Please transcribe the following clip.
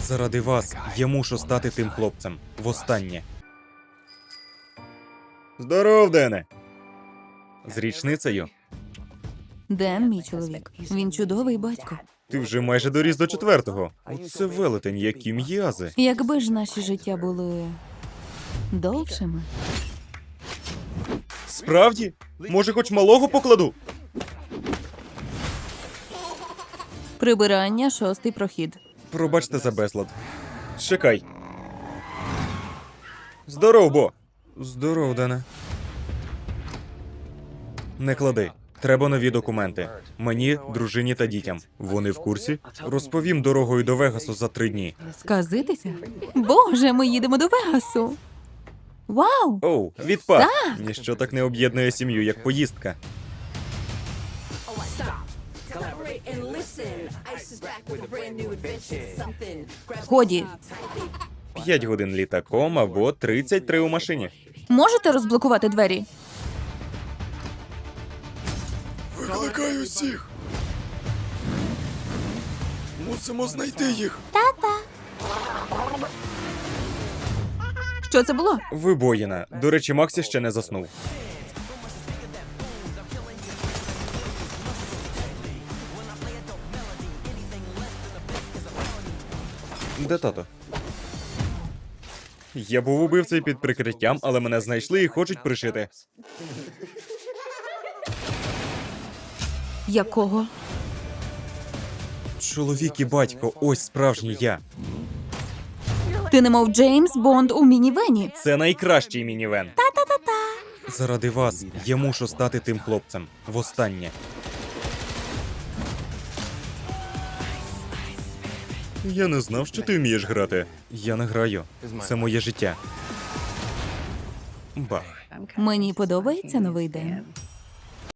Заради вас я мушу стати тим хлопцем. Востаннє. Здоров, Дене! З річницею. Ден, мій чоловік. Він чудовий батько. Ти вже майже доріс до 4-го. Оце велетень, які м'язи. Якби ж наші життя були довшими. Справді? Може, хоч малого покладу? Прибирання, 6-й прохід. Пробачте за безлад. Чекай. Здоров, Бо. Здоров, Дене. Не клади. Треба нові документи. Мені, дружині та дітям. Вони в курсі? Розповім дорогою до Вегасу за 3 дні. Сказитися? Боже, ми їдемо до Вегасу. Вау! Оу, відпад! Ніщо так не об'єднує сім'ю, як поїздка. Collaborate and listen. Ice is back with a brand new adventure. Something. Grab Годі, 5 годин літаком або 33 у машині. можете розблокувати двері? Викликаю всіх. Мусимо знайти їх. Що це було? Вибоїна. До речі, Максі ще не заснув. Де тато? Я був убивцею під прикриттям, але мене знайшли і хочуть пришити. Якого? Чоловік і батько, ось справжній я. Ти немов Джеймс Бонд у мінівені. Це найкращий мінівен. Заради вас я мушу стати тим хлопцем. Востаннє. Я не знав, що ти вмієш грати. Я не граю. Це моє життя. Бах. Мені подобається новий день.